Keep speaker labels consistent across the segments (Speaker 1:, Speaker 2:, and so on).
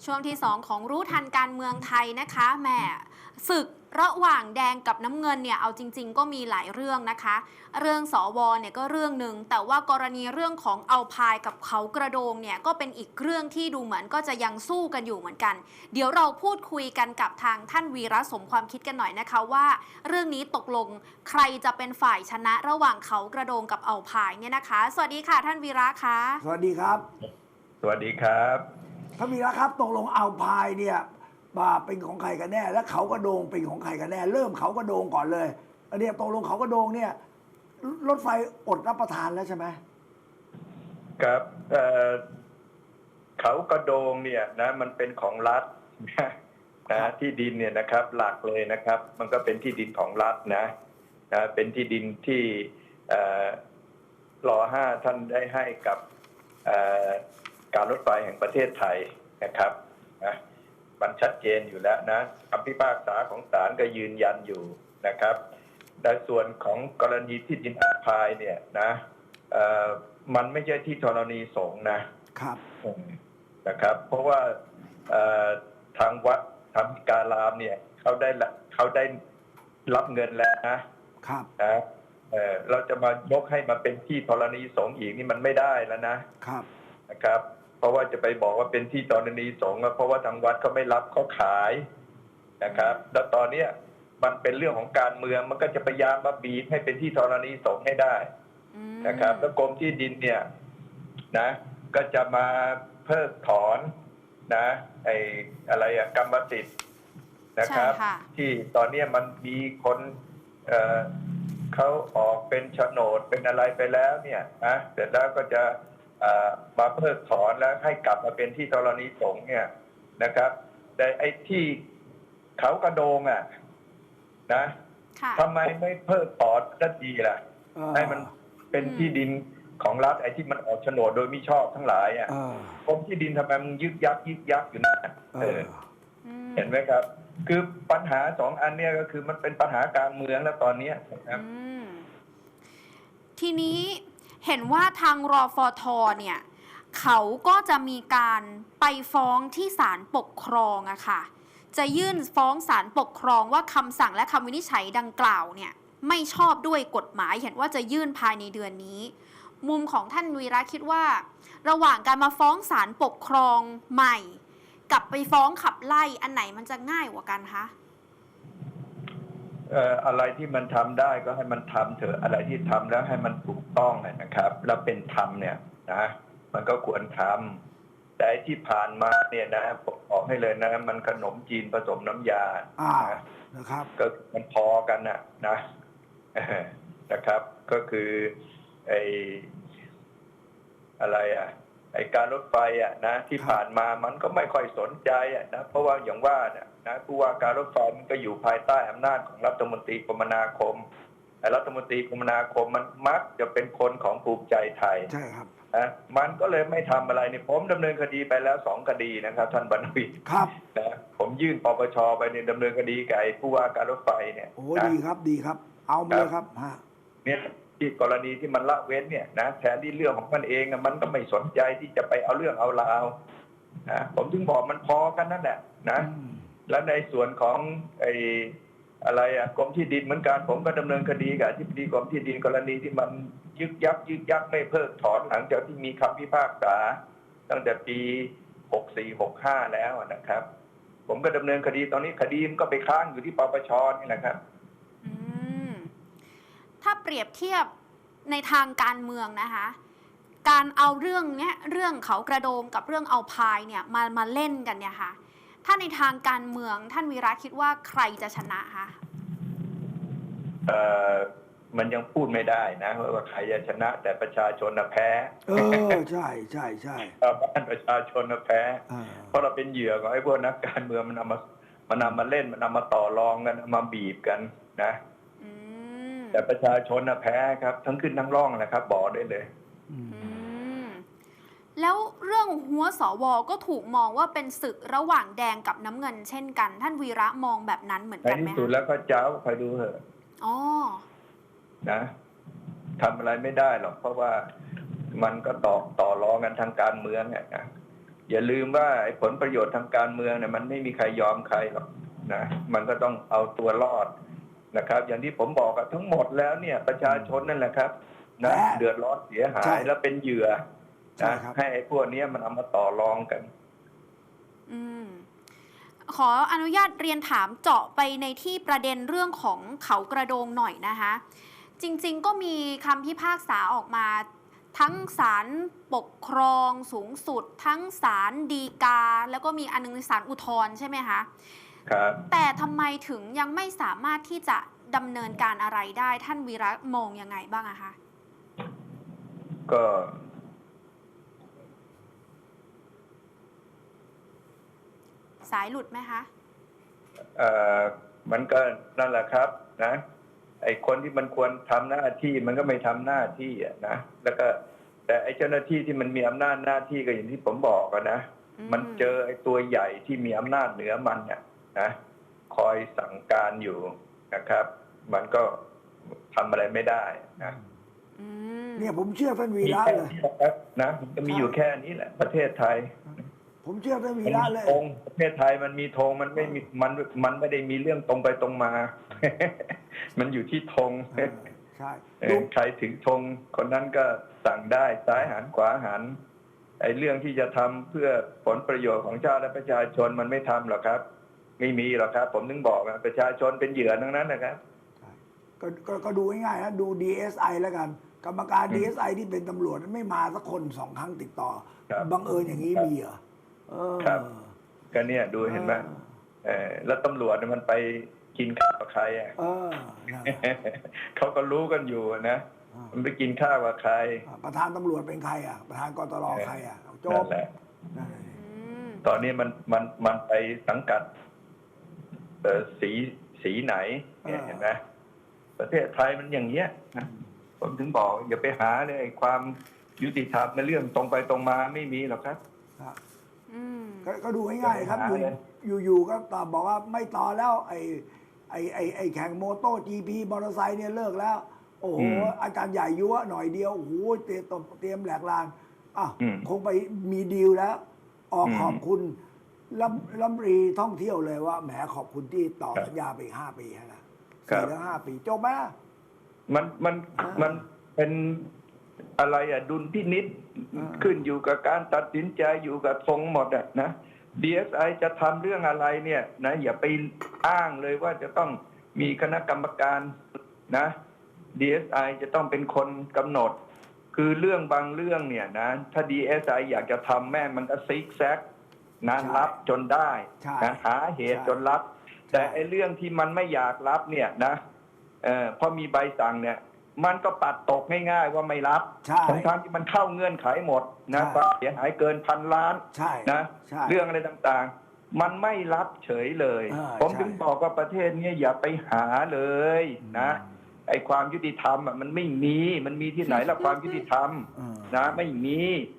Speaker 1: ช่วงที่2ของรู้ทันการเมืองไทยนะคะแหมศึกระหว่างแดงกับน้ำเงินเนี่ยเอาจริงๆก็มีหลายเรื่องนะคะเรื่องสวเนี่ยก็เรื่องหนึ่งแต่ว่ากรณีเรื่องของเอาพายกับเขากระโดงเนี่ยก็เป็นอีกเรื่องที่ดูเหมือนก็จะยังสู้กันอยู่เหมือนกันเดี๋ยวเราพูดคุยกันกับทางท่านวีระสมความคิดกันหน่อยนะคะว่าเรื่องนี้ตกลงใครจะเป็นฝ่ายชนะระหว่างเขากระโดงกับเอาพายเนี่ยนะคะสวัสดีค่ะท่านวีระคะ
Speaker 2: สวัสดีครับ
Speaker 3: สวัสดีครับ
Speaker 2: ท่านวีระครับตกลงเอาพายเนี่ยเป็นของใครกันแน่และเขากระโดงเป็นของใครกันแน่เริ่มเขากระโดงก่อนเลยอันนี้ตกลงเขากระโดงเนี่ยรถไฟอดรับประทานแล้วใช่ไหม
Speaker 3: ครับเขากระโดงเนี่ยนะมันเป็นของรัฐนะที่ดินเนี่ยนะครับหลักเลยนะครับมันก็เป็นที่ดินของรัฐนะเป็นที่ดินที่ร.5ท่านได้ให้กับการรถไฟแห่งประเทศไทยนะครับนะมันชัดเจนอยู่แล้วนะคำพิพากษาของศาลก็ยืนยันอยู่นะครับในส่วนของกรณีที่ดินอาพายเนี่ยนะมันไม่ใช่ที่ธรณีสงฆ์นะครับเพราะว่าทางวัดธรรมิการามเนี่ยเขาได้รับเงินแล้วนะครับเราจะมายกให้มาเป็นที่ธรณีสงฆ์อีกนี่มันไม่ได้แล้วนะครับเพราะว่าจะไปบอกว่าเป็นที่ธรณีสงฆ์เพราะว่าทางวัดเขาไม่รับเขาขายนะครับแล้วตอนนี้มันเป็นเรื่องของการเมืองมันก็จะพยายามมาบีบให้เป็นที่ธรณีสงฆ์ให้ได้นะครับแล้วกรมที่ดินเนี่ยนะก็จะมาเพิกถอนนะกรรมสิทธิ์นะครับที่ตอนนี้มันมีคนเขาออกเป็นโฉนดเป็นอะไรไปแล้วเนี่ยนะเสร็จแล้วก็จะมาเพิกถอนแล้วให้กลับมาเป็นที่ธรณีสงฆ์เนี่ยนะครับแต่ไอ้ที่เขากระโดงนะทำไมไม่เพิกถอนสักทีล่ะให้มันเป็นที่ดินของรัฐไอ้ที่มันออกโฉนดโดยมิชอบทั้งหลายกรมที่ดินทำไมมันยึกยักอยู่นะเห็นไหมครับคือปัญหา2อันเนี่ยก็คือมันเป็นปัญหาการเมืองแล้วตอนนี้นะครับ
Speaker 1: ทีนี้เห็นว่าทางรฟท.เนี่ยเขาก็จะมีการไปฟ้องที่ศาลปกครองอะค่ะจะยื่นฟ้องศาลปกครองว่าคำสั่งและคำวินิจฉัยดังกล่าวเนี่ยไม่ชอบด้วยกฎหมายเห็นว่าจะยื่นภายในเดือนนี้มุมของท่านวีระคิดว่าระหว่างการมาฟ้องศาลปกครองใหม่กับไปฟ้องขับไล่อันไหนมันจะง่ายกว่ากันคะ
Speaker 3: อะไรที่มันทำได้ก็ให้มันทำเถอะอะไรที่ทำแล้วให้มันถูกต้องนะครับแล้วเป็นธรรมเนี่ยนะมันก็ควรทำแต่ที่ผ่านมาเนี่ยนะบอกให้เลยนะมันขนมจีนผสมน้ำยา
Speaker 2: นะครับ
Speaker 3: ก็มันพอกันนะครับก็คือไอ้การรถไฟนะที่ผ่านมามันก็ไม่ค่อยสนใจนะเพราะว่าอย่างว่านะผู้ว่าการรถไฟมันก็อยู่ภายใต้อำนาจของรัฐมนตรีคมนาคมรัฐมนตรีคมนาคมมันมักจะเป็นคนของภูมิใจไทย
Speaker 2: ใช่ครับ
Speaker 3: มันก็เลยไม่ทำอะไรนี่ผมดำเนินคดีไปแล้ว2 คดีนะครับท่านบรรวิ
Speaker 2: ครับ
Speaker 3: นะผมยื่นปปชไปในดำเนินคดีกับผู้ว่าการรถไฟเนี่ย
Speaker 2: โอ้ดีครับเอามาเลยครับ
Speaker 3: เนี่ยที่กรณีที่มันละเว้นเนี่ยนะแทนที่เรื่องของมันเองมันก็ไม่สนใจที่จะไปเอาเรื่องเอาราวผมถึงบอกมันพอกันนั่นแหละนะแล้วในส่วนของกรมที่ดินเหมือนกันผมก็ดำเนินคดีกับอธิบดีกรมที่ดินกรณีที่มันยึกยักไม่เพิกถอนหลังจากที่มีคำพิพากษาตั้งแต่ปี64-65แล้วนะครับผมก็ดำเนินคดีตอนนี้คดีมันก็ไปค้างอยู่ที่ปปชนี่แหละครับ
Speaker 1: ถ้าเปรียบเทียบในทางการเมืองนะคะการเอาเรื่องเนี้ยเรื่องเขากระโดงกับเรื่องเอาพายเนี่ยมาเล่นกันเนี่ยค่ะถ้าในทางการเมืองท่านวีระคิดว่าใครจะชนะคะ
Speaker 3: มันยังพูดไม่ได้นะว่าใครจะชนะแต่ประชาชนแพ้
Speaker 2: ใช่
Speaker 3: บ้านประชาชนแพ้เพราะเราเป็นเหยื่อของไอ้พวกนักการเมืองมันนำมาเล่นมันนำมาต่อรองกันมาบีบกันนะแต่ประชาชนแพ้ครับทั้งขึ้นทั้งร่องนะครับบอกได้เลย
Speaker 1: แล้วเรื่องหัวสวก็ถูกมองว่าเป็นศึกระหว่างแดงกับน้ำเงินเช่นกันท่านวีระมองแบบนั้นเหมือนกันไหม
Speaker 3: ในที่สุดแล้วก็เจ้าคอยดูเถอะนะทำอะไรไม่ได้หรอกเพราะว่ามันก็ต่อรองกันทางการเมืองนะอย่าลืมว่าไอ้ผลประโยชน์ทางการเมืองเนี่ยมันไม่มีใครยอมใครหรอกนะมันก็ต้องเอาตัวรอดนะครับ อย่างที่ผมบอกอะทั้งหมดแล้วเนี่ยประชาชนนั่นแหละครับนะเดือดร้อนเสียหายแล้วเป็นเหยื่อนะให้ไอ้พวกนี้มันเอามาต่อรองกัน
Speaker 1: ขออนุญาตเรียนถามเจาะไปในที่ประเด็นเรื่องของเขากระโดงหน่อยนะคะจริงๆก็มีคำพิพากษาออกมาทั้งศาลปกครองสูงสุดทั้งศาลฎีกาแล้วก็มีอันนึงศาลอุทธรณ์ใช่ไหมคะ
Speaker 3: ครับ
Speaker 1: แต่ทำไมถึงยังไม่สามารถที่จะดำเนินการอะไรได้ท่านวีระมองยังไงบ้างอะคะ
Speaker 3: ก็
Speaker 1: สายหลุดไหมคะ
Speaker 3: มันก็นั่นแหละครับนะไอ้คนที่มันควรทำหน้าที่มันก็ไม่ทำหน้าที่นะแล้วก็แต่ไอ้เจ้าหน้าที่ที่มันมีอำนาจหน้าที่ก็อย่างที่ผมบอกกันนะมันเจอไอ้ตัวใหญ่ที่มีอำนาจเหนือมันเนี่ยนะคอยสั่งการอยู่นะครับ มันก็ทำอะไรไม่ได้นะ
Speaker 2: เนี่ยผมเชื่อท่านวีระเลย
Speaker 3: นะมันก็มีอยู่แค่นี้แหละประเทศไทย
Speaker 2: ผมเชื่อท่านวีระเลย
Speaker 3: ประเทศไทยมันมีธงมันไม่มีมันไม่ได้มีเรื่องตรงไปตรงมา มันอยู่ที่ธง
Speaker 2: ใช่
Speaker 3: ใครถึงธงคนนั้นก็สั่งได้ซ้ายหันขวาหันไอ้เรื่องที่จะทำเพื่อผลประโยชน์ของชาติและประชาชนมันไม่ทำหรอกครับไม่มีหรอกครับผมถึงบอกนะประชาชนเป็นเหยื่อทั้งนั้นนะครับ
Speaker 2: ก็ดูง่ายๆนะดู DSI แล้วกันกรรมการ DSI ที่เป็นตำรวจไม่มาสักคน2 ครั้งติดต่อบังเอิญอย่างนี้มีเหรอ
Speaker 3: ครับก็เนี่ยดูเห็นไหมแล้วตำรวจมันไปกินข้าวกับใครอ่ะเขาก็รู้กันอยู่นะมันไปกินข้าวกับใคร
Speaker 2: ประธานตำรวจเป็นใครอ่ะประธานกตรใครอ่ะโจ๊ก
Speaker 3: ตอนนี้มันไปสังกัดสีไหนเห็นไหมประเทศไทยมันอย่างเงี้ยนะผมถึงบอกอย่าไปหาเลยความยุติธรรมในเรื่องตรงไปตรงมาไม่มีหรอกครับ
Speaker 2: ก็ดูง่ายๆครับอยู่ก็ตอบบอกว่าไม่ต่อแล้วไอ้แข่งโมโต้ GP มอเตอร์ไซค์เนี่ยเลิกแล้วโอ้โหอาจารย์ใหญ่ยั่วหน่อยเดียวโอ้โหเตรียมแหลกลานคงไปมีดีลแล้วออกขอบคุณรัฐมนตรีท่องเที่ยวเลยว่าแหมขอบคุณที่ต่อสัญญาไป5 ปีนะ4 ถึง 5 ปีจบไหม
Speaker 3: มันเป็นอะไรดุลพินิจขึ้นอยู่กับการตัดสินใจอยู่กับทรงหมดนะ DSI จะทำเรื่องอะไรเนี่ยนะอย่าไปอ้างเลยว่าจะต้องมีคณะกรรมการนะ DSI จะต้องเป็นคนกำหนดคือเรื่องบางเรื่องเนี่ยนะถ้า DSI อยากจะทำแม่มันก็ซิกแซกนะรับจนได้นะหาเหตุจนรับแต่ไอ้เรื่องที่มันไม่อยากรับเนี่ยนะพอมีใบสั่งเนี่ยมันก็ปัดตกง่ายๆว่าไม่รับทั้งที่มันเข้าเงื่อนไขหมดนะความเสียหายเกิน1,000 ล้านนะเรื่องอะไรต่างๆมันไม่รับเฉยเลยผมถึงบอกว่าประเทศนี้อย่าไปหาเลยนะไอ้ความยุติธรรมมันไม่มีมันมีที่ไหนละความยุติธรรมนะไม่มี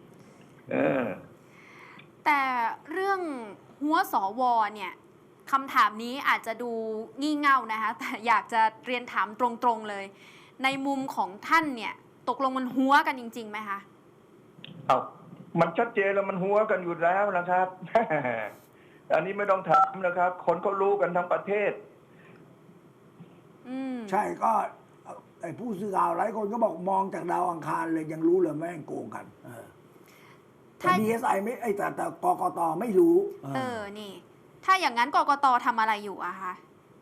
Speaker 1: แต่เรื่องหัวสวเนี่ยคำถามนี้อาจจะดูงี่เง่านะคะแต่อยากจะเรียนถามตรงๆเลยในมุมของท่านเนี่ยตกลงมันหัวกันจริงๆไหมคะ
Speaker 3: มันชัดเจนแล้วมันหัวกันอยู่แล้วนะครับ อันนี้ไม่ต้องถามนะครับคนเขารู้กันทั้งประเทศ
Speaker 2: ใช่ก็ไอ้ผู้สื่อข่าวหลายคนก็บอกมองจากดาวอังคารเลยยังรู้เลยแม่งโกงกันแต่ DSI ไม่แต่กกตไม่รู้
Speaker 1: นี่ถ้าอย่างนั้นกกตทำอะไรอยู่อะคะ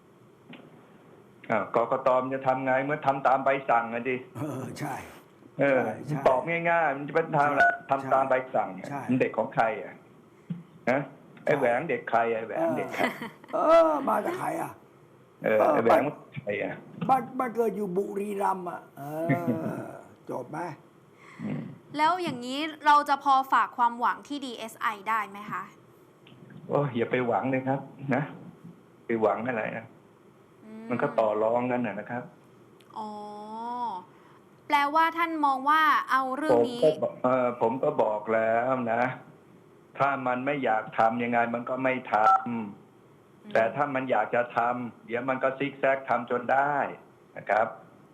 Speaker 3: กกตมันจะทำไงเมื่อทำตามใบสั่งอะดิ
Speaker 2: ใช่
Speaker 3: ตอบง่ายๆมันจะเป็นทางทำตามใบสั่งมันเด็กของใครอ่ะนะไอ้แหวงเด็กใครไอ้แหวงเด็กใคร
Speaker 2: มาจากใครอ่ะ
Speaker 3: ไอ้แหวงใครอ่ะ
Speaker 2: บ้านเกิดอยู่บุรีรัมย์อ่ะจบไหม
Speaker 1: แล้วอย่างนี้เราจะพอฝากความหวังที่ DSI ได้ไหมคะ
Speaker 3: อย่าไปหวังเลยครับนะไปหวังอะไรนะมันก็ต่อรองกันนะครับ
Speaker 1: แปลว่าท่านมองว่าเอาเรื่องนี้
Speaker 3: ผมก็บอกแล้วนะถ้ามันไม่อยากทำยังไงมันก็ไม่ทำแต่ถ้ามันอยากจะทำเดี๋ยวมันก็ซิกแซกทำจนได้นะครับ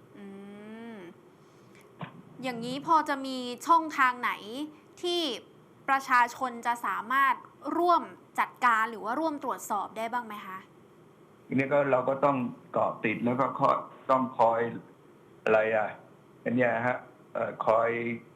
Speaker 1: อย่างนี้พอจะมีช่องทางไหนที่ประชาชนจะสามารถร่วมจัดการหรือว่าร่วมตรวจสอบได้บ้างไหมคะ
Speaker 3: ทีนี้ก็เราก็ต้องเกาะติดแล้วก็ต้องคอยอะไรอันเนี้ยฮะคอย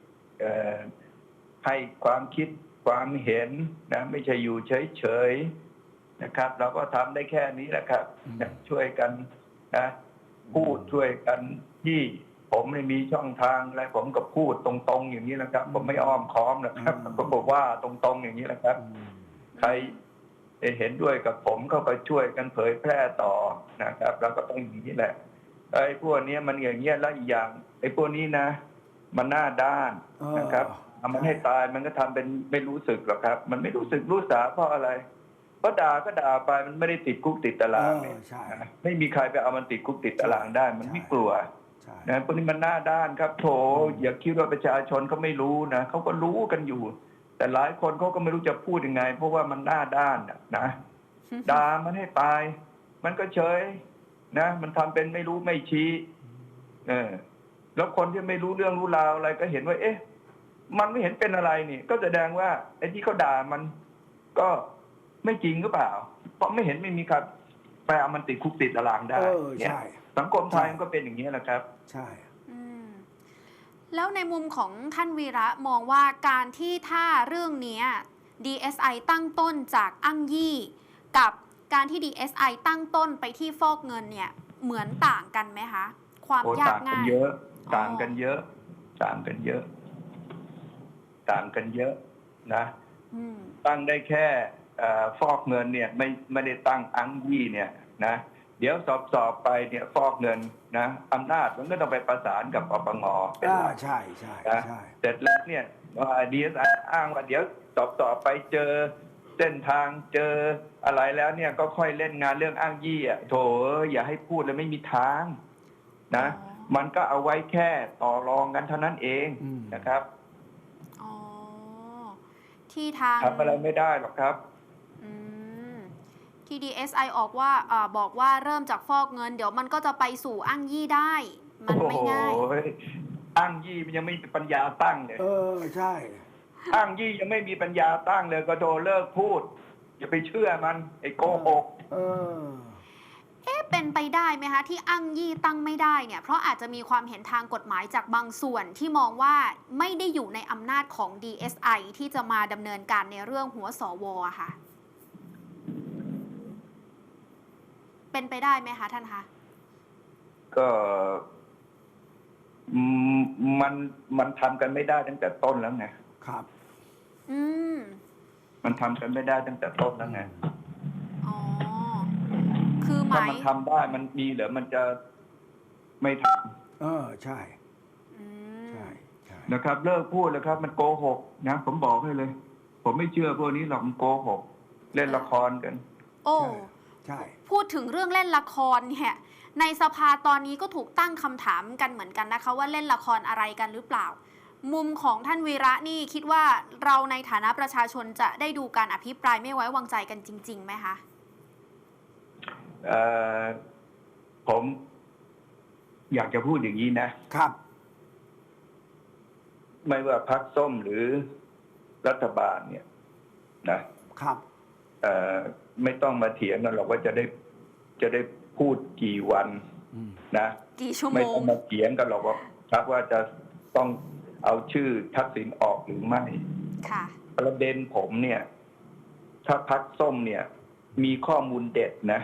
Speaker 3: ให้ความคิดความเห็นนะไม่ใช่อยู่เฉยๆนะครับ เราก็ทำได้แค่นี้แหละครับช่วยกันนะพูดช่วยกันที่ผมไม่มีช่องทางอะไรผมก็พูดตรงๆอย่างนี้นะครับ ผมไม่อ้อมค้อมนะครับผมก็บอกว่าตรงๆอย่างนี้แหละครับ ใครเห็นด้วยกับผมก็ไปช่วยกันเผยแพร่ต่อนะครับเราก็ต้องอย่างนี้แหละไอ้พวกนี้มันอย่างเงี้ยแล้วอีกอย่างไอ้พวกนี้นะมันหน้าด้านนะครับเอามันให้ตายมันก็ทำเป็นไม่รู้สึกหรอกครับ มันไม่รู้สึกรู้สาเพราะอะไรเพราะด่าก็ด่าไปมันไม่ได้ติดคุกติดตารางเนี่ยไม่มีใครไปเอามันติดคุกติดตารางได้ มันไม่กลัวนะพวกนี้มันหน้าด้านครับโถอย่าคิดว่าประชาชนเขาไม่รู้นะเขาก็รู้กันอยู่แต่หลายคนเขาก็ไม่รู้จะพูดยังไงเพราะว่ามันหน้าด้านนะด่ามันให้ตายมันก็เฉยนะมันทำเป็นไม่รู้ไม่ชี้แล้วคนที่ไม่รู้เรื่องรู้ราวอะไรก็เห็นว่าเอ๊ะมันไม่เห็นเป็นอะไรนี่ก็แสดงว่าไอ้ที่เขาด่ามันก็ไม่จริงหรือเปล่าเพราะไม่เห็นไม่มีใครไปเอามันติดคุกติดตารางได้เนี่ยสังคมไทยมันก็เป็นอย่างนี้แหละครับ
Speaker 2: ใช่
Speaker 1: แล้วในมุมของท่านวีระมองว่าการที่ถ้าเรื่องนี้ DSI ตั้งต้นจากอ้างยี่กับการที่ DSI ตั้งต้นไปที่ฟอกเงินเนี่ยเหมือนต่างกันไหมคะความยากง่าย
Speaker 3: ต่างกันเยอะต่างกันเยอะต่างกันเยอะนะตั้งได้แค่ฟอกเงินเนี่ยไม่ได้ตั้งอ้างยี่เนี่ยนะเดี๋ยวสอบไปเนี่ยฟอกเงินนะอำนาจมันก็ต้องไปประสานกับปปงเป็นหลัก
Speaker 2: ใช่
Speaker 3: เสร็จแล้วเนี่ยDSI อ้างว่าเดี๋ยวสอบไปเจอเส้นทางเจออะไรแล้วเนี่ยก็ค่อยเล่นงานเรื่องอ้างยี่โถอย่าให้พูดเลยไม่มีทางนะมันก็เอาไว้แค่ต่อรองกันเท่านั้นเองนะครับ
Speaker 1: ที่ทาง
Speaker 3: ทำอะไรไม่ได้หรอกครับ
Speaker 1: ที่ DSI บอกว่าเริ่มจากฟอกเงินเดี๋ยวมันก็จะไปสู่อ้างยี่ได้มันไม่ง่าย
Speaker 3: อ้างยี่มันยังไม่มีปัญญาตั้งเลย
Speaker 2: ใช่
Speaker 3: อ้างยี่ยังไม่มีปัญญาตั้งเลยก็โดนเลิกพูดอย่าไปเชื่อมันไอ้โกหก
Speaker 1: เป็นไปได้ไหมคะที่อ้างยี่ตั้งไม่ได้เนี่ยเพราะอาจจะมีความเห็นทางกฎหมายจากบางส่วนที่มองว่าไม่ได้อยู่ในอำนาจของ DSI ที่จะมาดำเนินการในเรื่องหัวสวค่ะเป็นไปได้ไหมคะท่านคะ
Speaker 3: ก็มันทำกันไม่ได้ตั้งแต่ต้นแล้วไง
Speaker 2: ครับ
Speaker 3: มันทำกันไม่ได้ตั้งแต่ต้นแล้วไง
Speaker 1: คือ
Speaker 3: ถ้ามันทำได้มันมีเหรอมันจะไม่ท
Speaker 2: ำใช่
Speaker 3: นะครับเลิกพูดแล้วครับมันโกหกนะผมบอกให้เลยผมไม่เชื่อพวกนี้หรอกมันโกหกเล่นละครกัน
Speaker 2: ใช่
Speaker 1: พูดถึงเรื่องเล่นละครเนี่ยในสภาตอนนี้ก็ถูกตั้งคำถามกันเหมือนกันนะคะว่าเล่นละครอะไรกันหรือเปล่ามุมของท่านวีระนี่คิดว่าเราในฐานะประชาชนจะได้ดูการอภิปรายไม่ไว้วางใจกันจริงๆไหมคะ
Speaker 3: ผมอยากจะพูดอย่างนี้นะครับไม่ว่าพรรคส้มหรือรัฐบาลเนี่ย
Speaker 2: นะครับ
Speaker 3: ไม่ต้องมาเถียงกันหรอกว่าจะได้พูดกี่วันนะ
Speaker 1: กี่ชั่วโมง
Speaker 3: ไม่ต้องมาเถียงกันหรอกว่าครับว่าจะต้องเอาชื่อทักษิณออกหรือไม่
Speaker 1: ค่ะ
Speaker 3: ประเด็นผมเนี่ยถ้าพรรคส้มเนี่ยมีข้อมูลเด็ดนะ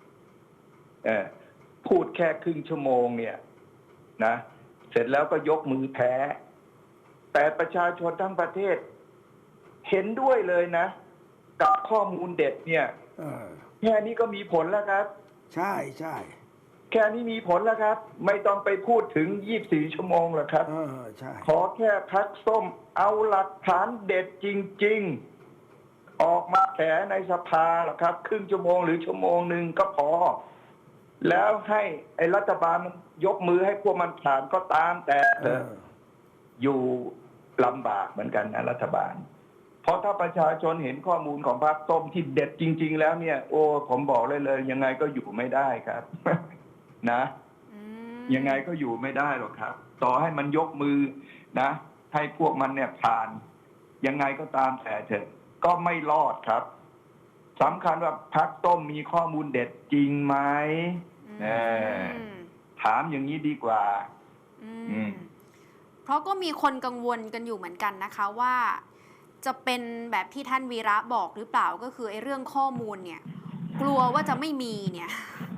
Speaker 3: พูดแค่ครึ่งชั่วโมงเนี่ยนะเสร็จแล้วก็ยกมือแพ้แต่ประชาชนทั้งประเทศเห็นด้วยเลยนะกับข้อมูลเด็ดเนี่ยแค่นี้ก็มีผลแล้วครับ
Speaker 2: ใช่
Speaker 3: แค่นี้มีผลแล้วครับไม่ต้องไปพูดถึง24ชั่วโมงหรอกครับ
Speaker 2: ใช่
Speaker 3: ขอแค่พรรคส้มเอาหลักฐานเด็ดจริงๆออกมาแถในสภาหรอกครับครึ่งชั่วโมงหรือชั่วโมงนึงก็พอแล้วให้ไอ้รัฐบาลมันยกมือให้พวกมันผ่านก็ตามแต่อยู่ลำบากเหมือนกันนะรัฐบาลเพราะถ้าประชาชนเห็นข้อมูลของพรรคส้มที่เด็ดจริงๆแล้วเนี่ยโอ้ผมบอกเลยยังไงก็อยู่ไม่ได้ครับนะยังไงก็อยู่ไม่ได้หรอกครับต่อให้มันยกมือนะให้พวกมันเนี่ยผ่าน
Speaker 4: ยังไงก็ตามแต่เถอะก็ไม่รอดครับสำคัญว่าพรรคส้มมีข้อมูลเด็ดจริงไหม
Speaker 1: อืม
Speaker 4: ถามอย่างนี้ดีกว่า
Speaker 1: อืมเพราะก็มีคนกังวลกันอยู่เหมือนกันนะคะว่าจะเป็นแบบที่ท่านวีระบอกหรือเปล่าก็คือไอ้เรื่องข้อมูลเนี่ย กลัวว่าจะไม่มีเนี่ย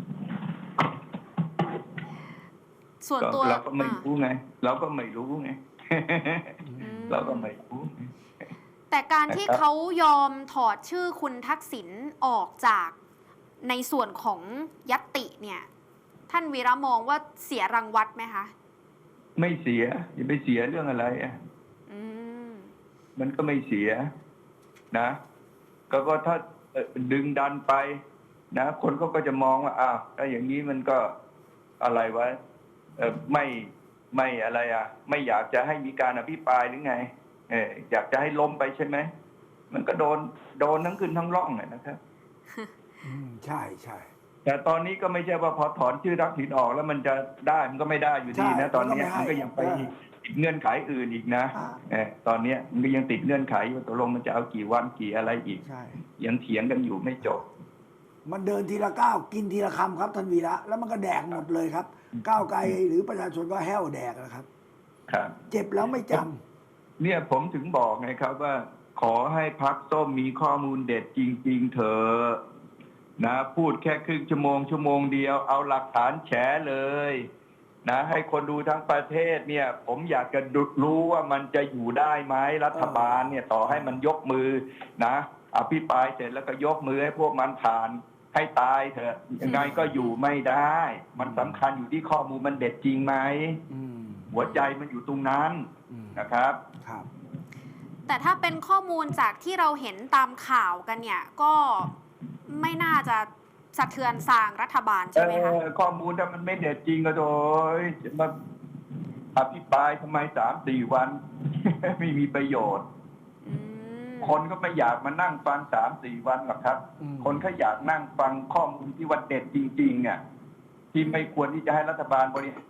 Speaker 1: ส่วนตัว
Speaker 4: เราก็ไม่รู้ไง เราก็ไม่รู้ไง
Speaker 1: อืม
Speaker 4: เราก็ไม่รู้
Speaker 1: แต่การที่
Speaker 4: นะครับ
Speaker 1: เขายอมถอดชื่อคุณทักษิณออกจากในส่วนของยัตติเนี่ย ท่านวีระมองว่าเสียรังวัดไหมคะ
Speaker 4: ไม่เสียอย่าไปเสียเรื่องอะไรอ่ะ
Speaker 1: อืม
Speaker 4: มันก็ไม่เสียนะก็ถ้าดึงดันไปนะคนเขาก็จะมองว่าอ้าวถ้าอย่างนี้มันก็อะไรวะไม่อะไรอ่ะ ไม่อยากจะให้มีการอภิปรายหรือไงอยากจะให้ล้มไปใช่ไหมมันก็โดนทั้งขึ้นทั้งร่องนะครับ
Speaker 2: ใช่ใช่
Speaker 4: แต่ตอนนี้ก็ไม่ใช่ว่าพอถอนชื่อทักษิณออกแล้วมันจะได้มันก็ไม่ได้อยู่ดีนะ ตอนนี้มันก็ยังไปติดเงื่อนไขอื่นอีกนะตอนนี้มันก็ยังติดเงื่อนไขว่าตกลงมันจะเอากี่วันกี่อะไรอีก
Speaker 2: ใช่
Speaker 4: ยังเถียงกันอยู่ไม่จบ
Speaker 2: มันเดินทีละก้าวกินทีละคำครับท่านวีระแล้วมันก็แดกหมดเลยครับ ก้าวไกลหรือประชาชนก็แห้วแดกนะครับ
Speaker 4: ครับ
Speaker 2: เจ็บแล้วไม่จำ
Speaker 4: เนี่ยผมถึงบอกไงครับว่า ขอให้พรรคส้มมีข้อมูลเด็ดจริง ๆ เถอะนะพูดแค่ครึ่งชั่วโมงเดียวเอาหลักฐานแฉเลยนะให้คนดูทั้งประเทศเนี่ย ผมอยากจะรู้ว่ามันจะอยู่ได้ไหมรัฐบาลเนี่ยต่อให้มันยกมือนะอภิปรายเสร็จแล้วก็ยกมือให้พวกมันผ่านให้ตายเถอะยังไงก็อยู่ไม่ได้ มันสำคัญอยู่ที่ข้อมูลมันเด็ดจริงไหมหัวใจมันอยู่ตรงนั้นนะครับ
Speaker 2: ครับ
Speaker 1: แต่ถ้าเป็นข้อมูลจากที่เราเห็นตามข่าวกันเนี่ย ก็ไม่น่าจะสะเทือนสร้างรัฐบาลใช่ไหมคะ
Speaker 4: ข้อมูลถ้ามันไม่เด็ดจริงก็โดยจะมาอภิปรายทำไม3-4 วัน ไม่มีประโยชน์ คนก็ไม่อยากมานั่งฟัง3-4 วันหรอกครับ คนเขาอยากนั่งฟังข้อมูลที่ว่าเด็ดจริงๆอ่ะที่ไม่ควรที่จะให้รัฐบาลบริหาร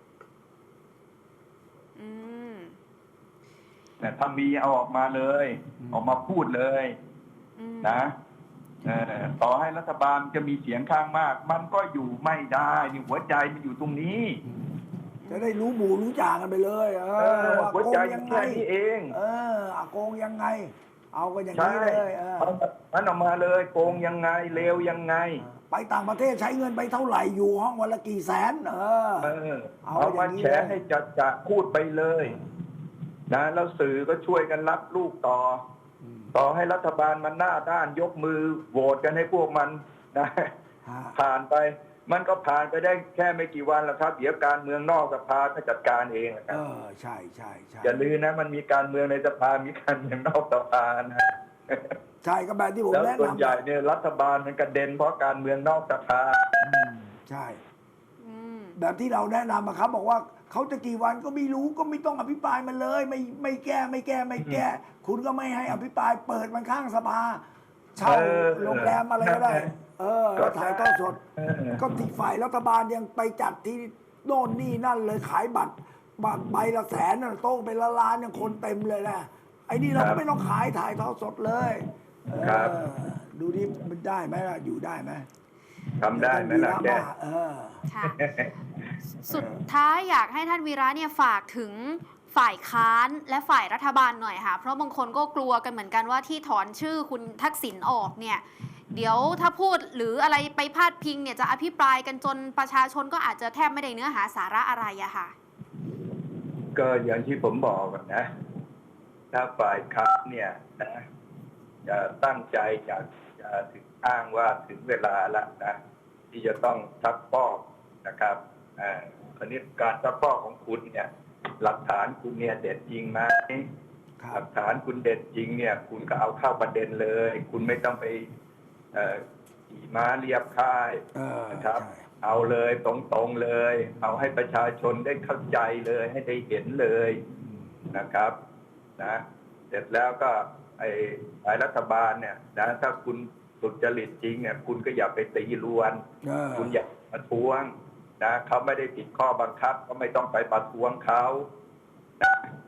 Speaker 4: แต่ถ้ามีเอาออกมาเลย ออกมาพูดเลยนะต่อให้รัฐบาลจะมีเสียงข้างมาก มันก็อยู่ไม่ได้นี่หัวใจมันอยู่ตรงนี้
Speaker 2: จะได้รู้หมู่รู้จ่ากันไปเลยว่า
Speaker 4: หัว
Speaker 2: โก
Speaker 4: ใจ
Speaker 2: ง
Speaker 4: อ
Speaker 2: ยั
Speaker 4: ยู่
Speaker 2: งไง
Speaker 4: แค่นี้เอง
Speaker 2: โกงยังไง เอากันอย่าง
Speaker 4: ใช่
Speaker 2: นี้เลย
Speaker 4: มันออกมาเลยโกงยังไงเลวยังไง
Speaker 2: ไปต่างประเทศใช้เงินไปเท่าไหร่อยู่ห้องวันละกี่แสน
Speaker 4: เอามาแชร์ให้จะพูดไปเลยนะแล้วสื่อก็ช่วยกันรับลูกต่อให้รัฐบาลมันหน้าด้านยกมือโหวตกันให้พวกมันนะผ่านไปมันก็ผ่านไปได้แค่ไม่กี่วันแล้วครับเดี๋ยวการเมืองนอกสภาก็จัดการเองนะครับ
Speaker 2: ใช่ใช่ใช่
Speaker 4: อย่าลืมนะมันมีการเมืองในสภามีการเมืองนอกสภานะ
Speaker 2: ใช่ก็แบบที่ผม
Speaker 4: แล้ว
Speaker 2: แนะนำ
Speaker 4: ส่วนใหญ่เนี่ยรัฐบาลมันกระเด็นเพราะการเมืองนอกสภา
Speaker 2: ใช่แบบที่เราแนะนำครับบอกว่าเขาจะกี่วันก็ไม่รู้ก็ไม่ต้องอภิปรายมันเลยไม่แก้ไม่แก้คุณก็ไม่ให้อภิปรายเปิดมันข้างสภาเช่าโรงแรมอะไรก็ได้ก็ถ่ายทอดสดก็ที่ฝ่ายรัฐบาลยังไปจัดที่โน่นนี่นั่นเลยขายบัตรใบละแสนโต๊ะเป็นละล้านยังคนเต็มเลยนะไอ้นี่เราก็ไม่ต้องขายถ่ายทอดสดเลยดูดิมันได้ไหมล่ะอยู่ได้ไหม
Speaker 4: ทำได้ไหมล่ะแก
Speaker 1: ค่ะสุดท้ายอยากให้ท่านวีระเนี่ยฝากถึงฝ่ายค้านและฝ่ายรัฐบาลหน่อยค่ะเพราะบางคนก็กลัวกันเหมือนกันว่าที่ถอนชื่อคุณทักษิณออกเนี่ยเดี๋ยวถ้าพูดหรืออะไรไปพาดพิงเนี่ยจะอภิปรายกันจนประชาชนก็อาจจะแทบไม่ได้เนื้อหาสาระอะไรอะค่ะ
Speaker 4: ก็อย่างที่ผมบอกนะถ้าฝ่ายค้านเนี่ยนะจะตั้งใจจะถึงอ้างว่าถึงเวลาแล้วนะที่จะต้องซักฟอกนะครับคราวนี้การซักฟอกของคุณเนี่ยหลักฐานคุณเนี่ยเด็ดจริงไหมหลักฐานคุณเด็ดจริงเนี่ยคุณก็เอาเข้าประเด็นเลย คุณไม่ต้องไปขี่ม้าเรียบค่ายนะครับเอาเลยตรงๆเลยเอาให้ประชาชนได้เข้าใจเลยให้ได้เห็นเลยนะครับนะเสร็จแล้วก็ฝ่ายรัฐบาลเนี่ยนะถ้าคุณสุจริตจริงเนี่ยคุณก็อย่าไปตีรวนคุณอย่ามาทวงนะเขาไม่ได้ผิดข้อบังคับก็ไม่ต้องไปประท้วงเขา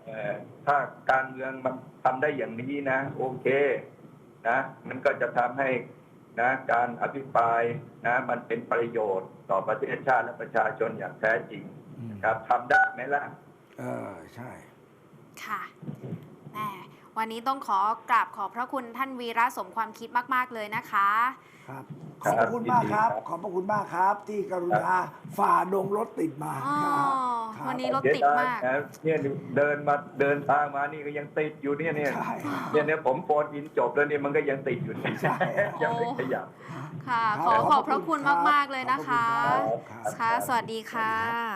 Speaker 4: ถ้าการเมืองมันทำได้อย่างนี้นะโอเคนะมันก็จะทำให้นะการอภิปรายนะมันเป็นประโยชน์ต่อประเทศชาติและประชาชนอย่างแท้จริงครับทำได้ไหมล่ะ
Speaker 2: ใช่
Speaker 1: ค่ะแหมวันนี้ต้องขอกราบขอบพระคุณท่านวีระสมความคิดมากๆเลยนะคะ
Speaker 2: ครับ ขอบพระคุณมากครับ ขอบพระคุณมากครับ ที่กรุณาฝ่าดงรถติดมา
Speaker 1: อ๋อ
Speaker 2: ครับ
Speaker 1: วันนี้รถติดมาก
Speaker 4: เสียดยนะเนี่ยเดินทางมานี่ก็ยังติดอยู่เนี่ย
Speaker 2: ใช่
Speaker 4: เนี่ยผมโฟนอินจบแล้วเนี่ยมันก็ยังติดอยู่เนี่ย
Speaker 2: ใช่
Speaker 4: ยังไม่ขยับ
Speaker 1: ค่ะ
Speaker 2: ครับ
Speaker 1: ขอบพระคุณมากๆเลยนะคะ
Speaker 2: ขอบคุณครับ
Speaker 1: ค่ะ สวัสดีค่ะ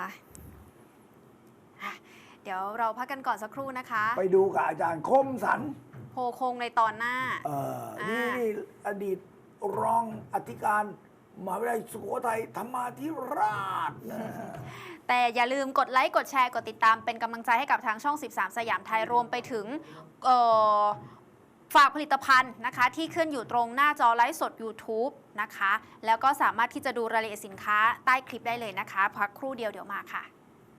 Speaker 1: เดี๋ยวเราพักกันก่อนสักครู่นะคะ
Speaker 2: ไปดูกับอาจารย์คมสัน
Speaker 1: โพคงในตอนหน้า
Speaker 2: นี่อดีตรองอธิการมหาวิทยาลัยสุโขทัยธรรมาธิราชนะ
Speaker 1: แต่อย่าลืมกดไลค์ กดแชร์ กดติดตามเป็นกำลังใจให้กับทางช่อง 13 สยามไทยรวมไปถึงฝากผลิตภัณฑ์นะคะ ที่ขึ้นอยู่ตรงหน้าจอไลฟ์สด YouTube นะคะ แล้วก็สามารถที่จะดูรายละเอียดสินค้าใต้คลิปได้เลยนะคะ พักครู่เดียวเดี๋ยวมาค่ะ